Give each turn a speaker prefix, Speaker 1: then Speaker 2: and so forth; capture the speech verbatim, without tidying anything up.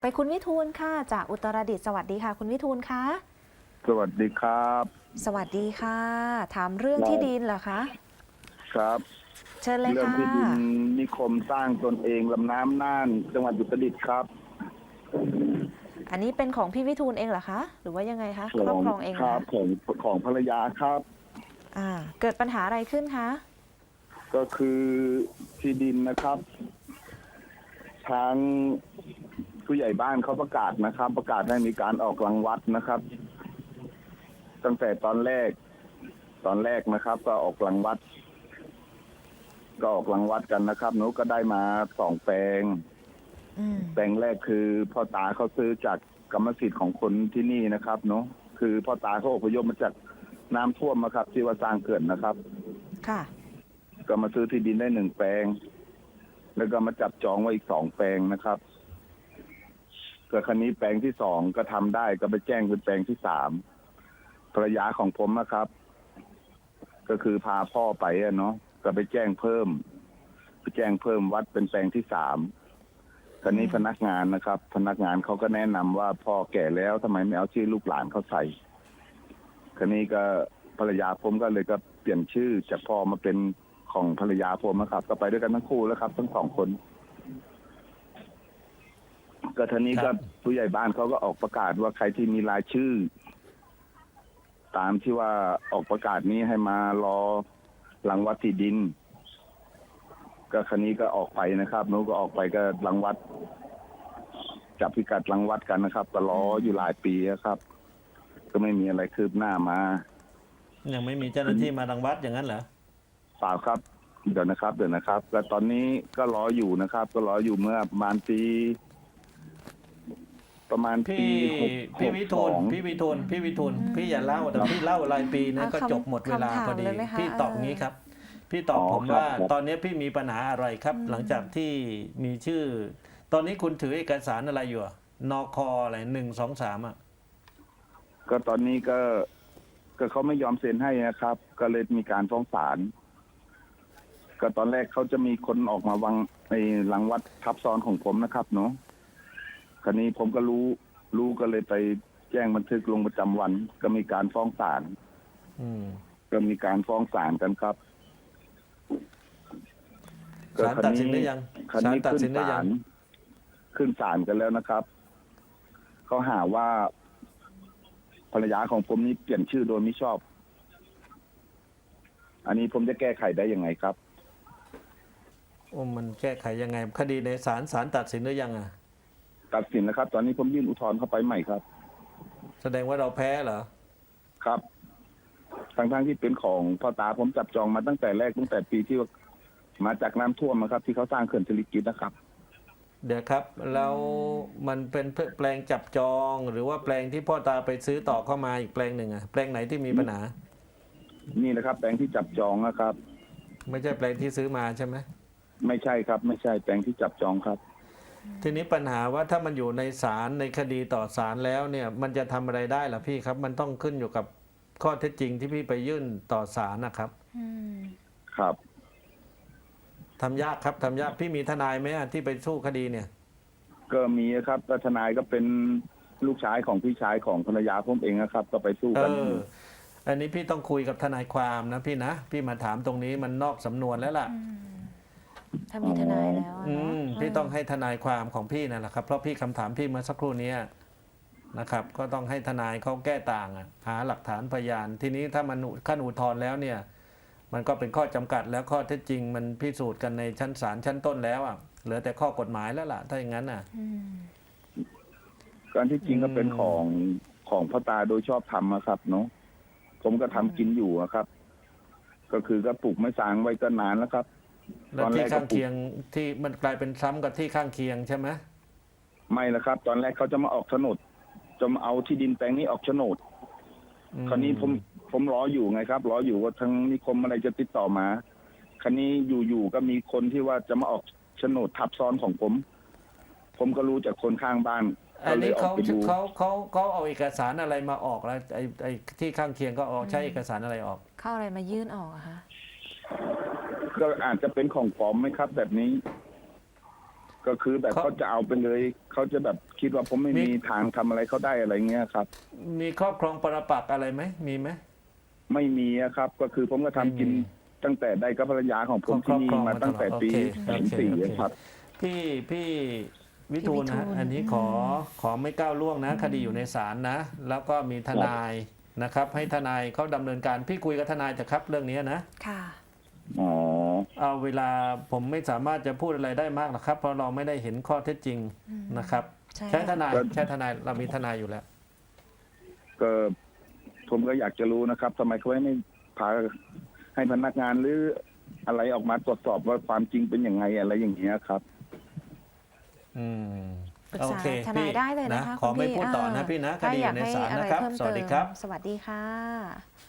Speaker 1: ไปคุณวิทูลค่ะจากอุตรดิตถ์สวัสดีค่ะคุณวิทูลคะ
Speaker 2: สวัสดีครับ
Speaker 1: สวัสดีค่ะถามเรื่องที่ดินเหรอคะ
Speaker 2: ครับ
Speaker 1: เชิญเลย
Speaker 2: เรื่อง
Speaker 1: ค่ะ
Speaker 2: ที่ดินนิคมสร้างตนเองลำน้ำน่านจังหวัดอุตรดิตถ์ครับ
Speaker 1: อันนี้เป็นของพี่วิทูลเองเหรอคะหรือว่ายังไงคะครอบครองเองเห
Speaker 2: ค
Speaker 1: รอ
Speaker 2: รับ
Speaker 1: คะ
Speaker 2: ของของภรรยาครับ
Speaker 1: อ่าเกิดปัญหาอะไรขึ้นคะ
Speaker 2: ก็คือที่ดินนะครับทางผู้ใหญ่บ้านเขาประกาศนะครับ ประกาศให้มีการออกรังวัดนะครับ ตั้งแต่ตอนแรก ตอนแรกนะครับ ก็ออกรังวัด ก็ออกรังวัดกันนะครับหนูก็ได้มาสองแปลง
Speaker 1: อืม
Speaker 2: แปลงแรกคือพ่อตาเขาซื้อจากกรรมสิทธิ์ของคนที่นี่นะครับเนาะคือพ่อตาเขาอพยพมาจากน้ำท่วมนะครับ ที่ว่าสร้างเขื่อนนะครับ
Speaker 1: ค่ะ
Speaker 2: ก็มาซื้อที่ดินได้หนึ่งแปลง แล้วก็มาจับจองไว้อีกสองแปลงนะครับก็คันนี้แปลงที่สองก็ทำได้ก็ไปแจ้งเป็นแปลงที่สามภรรยาของผมนะครับ ก็คือพาพ่อไปอะเนาะก็ไปแจ้งเพิ่มไปแจ้งเพิ่มวัดเป็นแปลงที่สามตอนนี้พนักงานนะครับ พนักงานเขาก็แนะนำว่าพ่อแก่แล้วทำไมไม่เอาชื่อลูกหลานเขาใส่คันนี้ก็ภรรยาผมก็เลยก็เปลี่ยนชื่อจากพ่อมาเป็นของภรรยาผมนะครับ ก็ไปด้วยกันทั้งคู่แล้วครับ ทั้งสองคนก็ทีนี้ก็ผู้ใหญ่บ้านเขาก็ออกประกาศว่าใครที่มีรายชื่อ ตามที่ว่าออกประกาศนี้ให้มารอหลังวัดที่ดินก็คันนี้ก็ออกไปนะครับนู้ก็ออกไปก็หลังวัดจับพิกัดหลังวัดกันนะครับก็รออยู่หลายปีครับก็ไม่มีอะไรคืบหน้ามา
Speaker 3: ยังไม่มีเจ้าหน้าที่มารังวัดอย่างนั้นเหรอ
Speaker 2: เปล่าครับเดี๋ยวนะครับเดี๋ยวนะครับแล้วตอนนี้ก็รออยู่นะครับ ก็รออยู่เมื่อประมาณปีประมาณปี
Speaker 3: พี่พี่วิทูลพี่วิทูลพี่วิทูลพี่อย่าเล่าแต่พี่เล่ารายปีนะก็จบหมดเวลาพอดีพี่ตอบงี้ครับพี่ตอบผมว่าตอนนี้พี่มีปัญหาอะไรครับหลังจากที่มีชื่อตอนนี้คุณถือเอกสารอะไรอยู่นคอะไรหนึ่งสองสามอ่ะ
Speaker 2: ก็ตอนนี้ก็ก็เขาไม่ยอมเซ็นให้นะครับ ก็เลยมีการฟ้องศาลก็ตอนแรกเขาจะมีคนออกมาวางในหลังวัดทับซ้อนของผมนะครับเนาะคราวนี้ผมก็รู้รู้ก็เลยไปแจ้งบันทึกลงประจำวัน ก็มีการฟ้องศาลก็มีการฟ้องศาลกันครับ
Speaker 3: ศาลตัดสินได้ยัง
Speaker 2: ศาลตัดสินได้ยังขึ้นศาลกันแล้วนะครับเขาหาว่าภรรยาของผมนี่เปลี่ยนชื่อโดยไม่ชอบอันนี้ผมจะแก้ไขได้ยังไงครับ
Speaker 3: โอ้มันแก้ไขยังไงคดีในศาลศาลตัดสินได้ยังอ่ะ
Speaker 2: ตัดสินนะครับตอนนี้ผมยื่นอุทธรณ์เข้าไปใหม่ครับ
Speaker 3: แสดงว่าเราแพ้เหรอ
Speaker 2: ครับทั้งทั้งที่เป็นของพ่อตาผมจับจองมาตั้งแต่แรกตั้งแต่ปีที่มาจากน้ำท่วมนะครับที่เขาสร้างเขื่อนสิริกิติ์นะครับ
Speaker 3: เดี๋ยวครับแล้วมันเป็นแปลงจับจองหรือว่าแปลงที่พ่อตาไปซื้อต่อเข้ามาอีกแปลงหนึ่งอ่ะแปลงไหนที่มีปัญหา
Speaker 2: นี่นะครับแปลงที่จับจองนะครับ
Speaker 3: ไม่ใช่แปลงที่ซื้อมาใช่ไหม
Speaker 2: ไม่ใช่ครับไม่ใช่แปลงที่จับจองครับ
Speaker 3: ทีนี้ปัญหาว่าถ้ามันอยู่ในศาลในคดีต่อศาลแล้วเนี่ยมันจะทำอะไรได้ล่ะพี่ครับมันต้องขึ้นอยู่กับข้อเท็จจริงที่พี่ไปยื่นต่อศาลนะครับ
Speaker 2: ครับ
Speaker 3: ทำยากครับทำยากพี่มีทนายไหมที่ไปสู้คดีเนี่ย
Speaker 2: ก็มีครับทนายก็เป็นลูกชายของพี่ชายของภรรยาผมเองนะครับก็ไปสู้กัน
Speaker 3: อันนี้พี่ต้องคุยกับทนายความนะพี่นะพี่มาถามตรงนี้มันนอกสำนวนแล้วล่ะ
Speaker 1: ถ้ามีทนายแล้ว
Speaker 3: อืมพี่ต้องให้ทนายความของพี่นั่นแหละครับเพราะพี่คำถามพี่เมื่อสักครู่นี้นะครับก็ต้องให้ทนายเขาแก้ต่างหาหลักฐานพยานทีนี้ถ้ามันขั้นอุทธรณ์แล้วเนี่ยมันก็เป็นข้อจำกัดแล้วข้อเท็จจริงมันพิสูจน์กันในชั้นศาลชั้นต้นแล้วอ่ะเหลือแต่ข้อกฎหมายแล้วล่ะถ้าอย่างนั้นอ่ะ
Speaker 2: การที่จริงก็เป็นของของพ่อตาโดยชอบธรรมนะครับเนาะผมก็ทำกินอยู่ครับก็คือก็ปลูกไม้สางไว้ก็นานแล้วครับ
Speaker 3: แล้วที่ข้างเคียงที่มันกลายเป็นซ้ำกับที่ข้างเคียงใช่ไหม
Speaker 2: ไม่ละครับตอนแรกเขาจะมาออกโฉนดจะมาเอาที่ดินแปลงนี้ออกโฉนดคราวนี้ผมผมรออยู่ไงครับรออยู่ว่าทางนิคมอะไรจะติดต่อมาคราวนี้อยู่ๆก็มีคนที่ว่าจะมาออกโฉนดทับซ้อนของผม ผมก็รู้จากคนข้างบ้าน
Speaker 3: อันนี้เขาเขาเขาเขาเอาเอกสารอะไรมาออกแล้วไอ้ไอ้ที่ข้างเคียงก็ออกใช้เอกสารอะไรออก
Speaker 1: เข้าอะไรมายื่นออกอะคะ
Speaker 2: ก็อาจจะเป็นของปลอมไหมครับแบบนี้ก็คือแบบ
Speaker 3: เขา
Speaker 2: เขาจะเอาไปเลยเขาจะแบบคิดว่าผมไม่
Speaker 3: มี
Speaker 2: มีทางทำอะไรเขาได้อะไรเงี้ยครับ
Speaker 3: มีครอบครองปรปักษ์อะไรไหมมีไหม
Speaker 2: ไม่มีอะครับ ก็คือผมก็ทำกิน
Speaker 3: ไม่มี
Speaker 2: ตั้งแต่ได้กับภรรยาของผม
Speaker 3: คร
Speaker 2: ที่
Speaker 3: อบ
Speaker 2: นี่
Speaker 3: ครอง
Speaker 2: มา
Speaker 3: มา
Speaker 2: ตั้งแต่
Speaker 3: ตลอด
Speaker 2: ปี
Speaker 3: โอเค
Speaker 2: สาม
Speaker 3: โอเค
Speaker 2: สี่
Speaker 3: โอเค
Speaker 2: ครับ
Speaker 3: พี่พี่วิทูลนะฮะ
Speaker 1: พี่วิทูล
Speaker 3: อันนี้ขอขอไม่ก้าวล่วงนะ คดีอยู่ในศาลนะ แล้วก็มีทนายนะครับ ให้ทนายเขาดำเนินการพี่คุยกับทนายเถอะครับเรื่องนี้นะ
Speaker 1: ค่ะ
Speaker 2: อ๋อ
Speaker 3: เอาเวลาผมไม่สามารถจะพูดอะไรได้มากหรอกครับ เพราะเราไม่ได้เห็นข้อเท็จจริง
Speaker 1: อืม
Speaker 3: นะครับ
Speaker 1: ใช่
Speaker 3: ใช้ท
Speaker 1: ค่ะ
Speaker 3: นายใช้ทนายเรามีทนายอยู่แล้ว
Speaker 2: ก็ผมก็อยากจะรู้นะครับทำไมเขาไม่พาให้พนักงานหรืออะไรออกมาตรวจสอบว่าความจริงเป็นยังไงอะไรอย่างเงี้ยครับ
Speaker 3: อืม
Speaker 1: ปรึก
Speaker 3: โอ
Speaker 1: ษา
Speaker 3: เค
Speaker 1: ทนายได้เลยนะคะ
Speaker 3: ขอ
Speaker 1: คุณ
Speaker 3: ไม่
Speaker 1: พี่
Speaker 3: พูดต่อนะ
Speaker 1: เ
Speaker 3: พี่นะค
Speaker 1: ถ้า
Speaker 3: ดีอ
Speaker 1: อยาก
Speaker 3: ยู่ใน
Speaker 1: ให้
Speaker 3: ศาล
Speaker 1: อะไร
Speaker 3: นะครับ
Speaker 1: เพิ่ม
Speaker 3: สวัส
Speaker 1: เติ
Speaker 3: ดี
Speaker 1: ม
Speaker 3: ครับ
Speaker 1: สวัสดีค่ะ